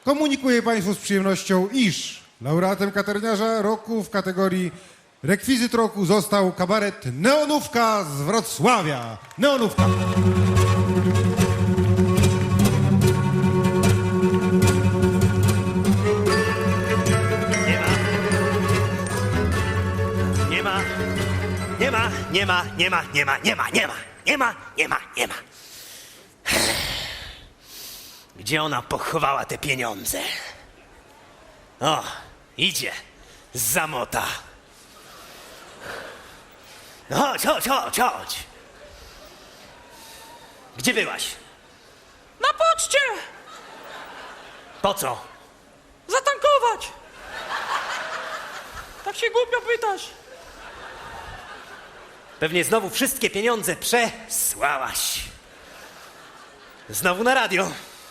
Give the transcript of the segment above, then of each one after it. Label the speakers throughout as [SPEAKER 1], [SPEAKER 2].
[SPEAKER 1] Komunikuję Państwu z przyjemnością, iż laureatem katerniarza roku w kategorii rekwizyt roku został kabaret Neonówka z Wrocławia. Neonówka.
[SPEAKER 2] Nie ma. Gdzie ona pochowała te pieniądze? O, idzie. Zamota. No chodź. Gdzie byłaś?
[SPEAKER 3] Na poczcie!
[SPEAKER 2] Po co?
[SPEAKER 3] Zatankować! Tak się głupio pytasz.
[SPEAKER 2] Pewnie znowu wszystkie pieniądze przesłałaś. Znowu na radio.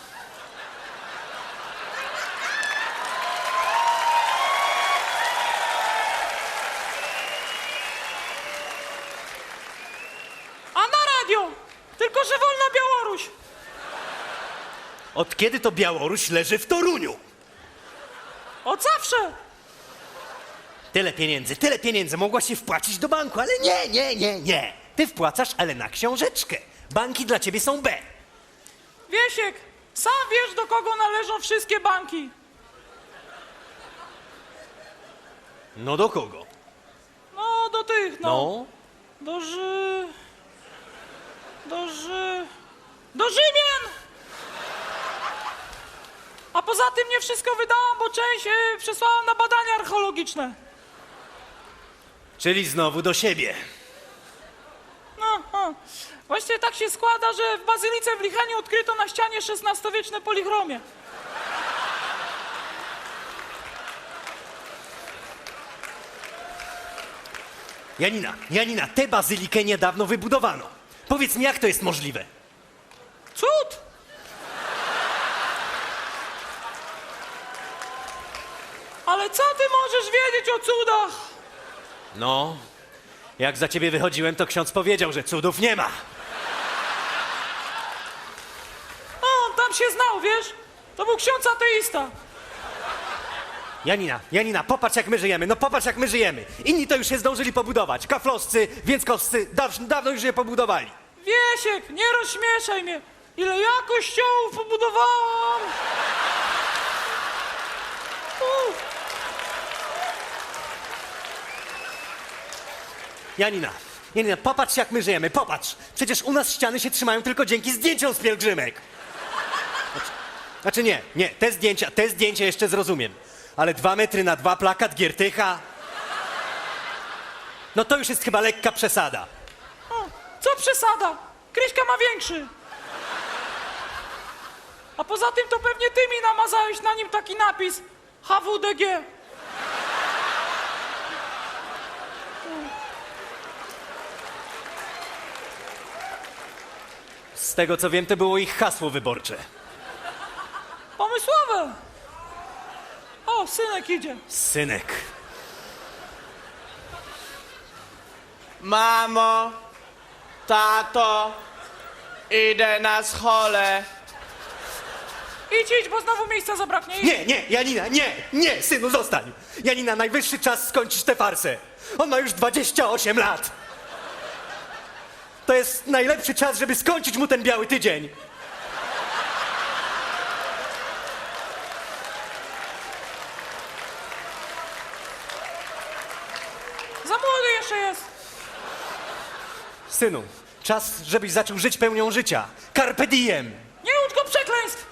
[SPEAKER 3] A na radio! Tylko, że wolna Białoruś!
[SPEAKER 2] Od kiedy to Białoruś leży w Toruniu?
[SPEAKER 3] Od zawsze!
[SPEAKER 2] Tyle pieniędzy mogłaś się wpłacić do banku, ale nie. Ty wpłacasz, ale na książeczkę. Banki dla ciebie są B.
[SPEAKER 3] Wiesiek, sam wiesz, do kogo należą wszystkie banki.
[SPEAKER 2] No do kogo?
[SPEAKER 3] No, do tych,
[SPEAKER 2] No.
[SPEAKER 3] Do Rzymian! A poza tym nie wszystko wydałam, bo część przesłałam na badania archeologiczne.
[SPEAKER 2] Czyli znowu do siebie.
[SPEAKER 3] No. Właściwie tak się składa, że w Bazylice w Licheniu odkryto na ścianie XVI-wieczne polichromie.
[SPEAKER 2] Janina, tę bazylikę niedawno wybudowano. Powiedz mi, jak to jest możliwe?
[SPEAKER 3] Cud! Ale co ty możesz wiedzieć o cudach?
[SPEAKER 2] No, jak za ciebie wychodziłem, to ksiądz powiedział, że cudów nie ma.
[SPEAKER 3] On tam się znał, wiesz? To był ksiądz ateista.
[SPEAKER 2] Janina, popatrz jak my żyjemy, no popatrz jak my żyjemy. Inni to już się zdążyli pobudować. Kaflowscy, Więckowscy, dawno już je pobudowali.
[SPEAKER 3] Wiesiek, nie rozśmieszaj mnie. Ile ja kościołów pobudowałam.
[SPEAKER 2] Janina, popatrz jak my żyjemy, popatrz. Przecież u nas ściany się trzymają tylko dzięki zdjęciom z pielgrzymek. Znaczy nie, te zdjęcia jeszcze zrozumiem. Ale 2 metry na 2 plakat Giertycha? No to już jest chyba lekka przesada.
[SPEAKER 3] Co przesada? Kryśka ma większy. A poza tym to pewnie ty mi namazałeś na nim taki napis HWDG.
[SPEAKER 2] Z tego co wiem, to było ich hasło wyborcze.
[SPEAKER 3] Pomysłowe. O, synek idzie.
[SPEAKER 2] Synek.
[SPEAKER 4] Mamo, tato, idę na scholę.
[SPEAKER 3] Idź, bo znowu miejsca zabraknie. Idź.
[SPEAKER 2] Nie, Janina, nie, synu, zostań. Janina, najwyższy czas skończyć tę farsę. On ma już 28 lat. To jest najlepszy czas, żeby skończyć mu ten biały tydzień.
[SPEAKER 3] Za młody jeszcze jest.
[SPEAKER 2] Synu, czas, żebyś zaczął żyć pełnią życia. Carpe diem.
[SPEAKER 3] Nie ucz go przekleństw.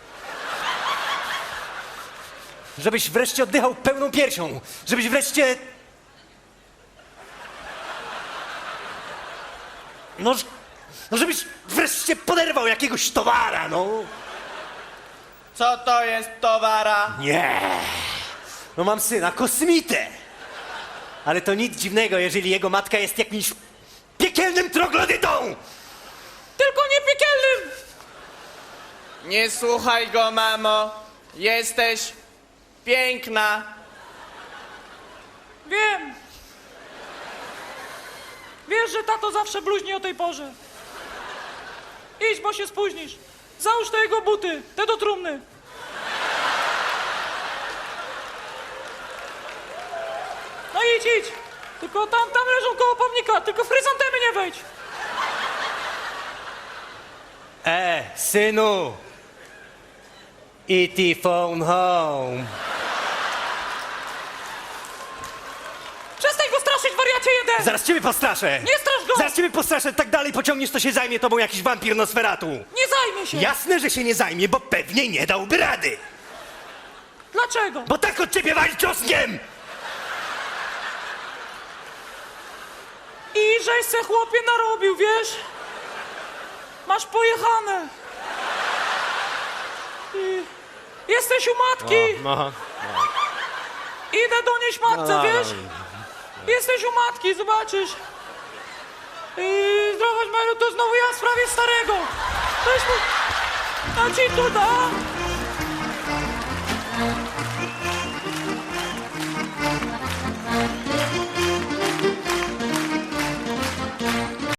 [SPEAKER 2] Żebyś wreszcie oddychał pełną piersią. Żebyś wreszcie... No, żebyś wreszcie poderwał jakiegoś towara, no.
[SPEAKER 4] Co to jest towara?
[SPEAKER 2] Nie. No mam syna, kosmitę. Ale to nic dziwnego, jeżeli jego matka jest jakimś piekielnym troglodytą.
[SPEAKER 3] Tylko nie piekielnym.
[SPEAKER 4] Nie słuchaj go, mamo. Jesteś piękna.
[SPEAKER 3] Wiem. Wiesz, że tato zawsze bluźni o tej porze. Idź, bo się spóźnisz. Załóż te jego buty, te do trumny. Tylko tam leżą koło pomnika, tylko w chryzantemy nie wejdź.
[SPEAKER 2] Synu! E.T. phone home.
[SPEAKER 3] Przestań go straszyć, wariacie jeden!
[SPEAKER 2] Zaraz ciebie postraszę!
[SPEAKER 3] Nie strasz go!
[SPEAKER 2] Zaraz ciebie postraszę, tak dalej pociągniesz, to się zajmie tobą jakiś wampir Nosferatu.
[SPEAKER 3] Nie zajmie się!
[SPEAKER 2] Jasne, że się nie zajmie, bo pewnie nie dałby rady.
[SPEAKER 3] Dlaczego?
[SPEAKER 2] Bo tak od ciebie wali czosnkiem!
[SPEAKER 3] I żeś se chłopie narobił, wiesz? Masz pojechane. Jesteś u matki. Idę donieść matce, wiesz? Jesteś u matki, zobaczysz. Zdrowaś Melu, to znowu ja w sprawie starego. Weź mu... A ci tu da.